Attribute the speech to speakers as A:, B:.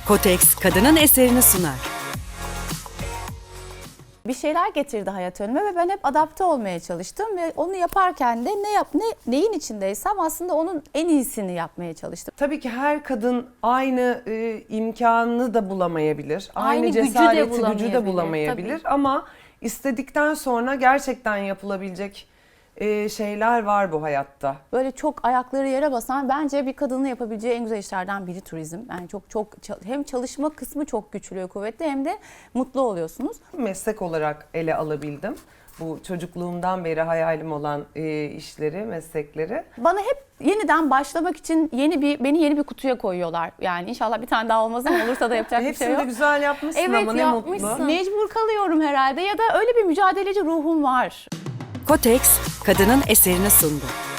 A: Kotex, kadının eserini sunar.
B: Bir şeyler getirdi hayat önüme ve ben hep adapte olmaya çalıştım ve onu yaparken de neyin içindeysem aslında onun en iyisini yapmaya çalıştım.
C: Tabii ki her kadın aynı imkanını da bulamayabilir.
B: Aynı
C: Aynı
B: gücü de
C: cesareti, gücü de
B: bulamayabilir,
C: bulamayabilir. Ama istedikten sonra gerçekten yapılabilecek şeyler var bu hayatta.
B: Böyle çok ayakları yere basan bence bir kadının yapabileceği en güzel işlerden biri turizm. Yani çok hem çalışma kısmı çok güçlü ve kuvvetli hem de mutlu oluyorsunuz.
C: Meslek olarak ele alabildim. Bu çocukluğumdan beri hayalim olan işleri, meslekleri.
B: Bana hep yeniden başlamak için beni yeni bir kutuya koyuyorlar. Yani inşallah bir tane daha olmaz ama olursa da yapacak bir şey
C: Hepsini
B: yok.
C: de güzel yapmışsın
B: Evet,
C: ama ne
B: yapmışsın.
C: mutlu.
B: Mecbur kalıyorum herhalde ya da öyle bir mücadeleci ruhum var.
A: Kotex, kadının eserini sundu.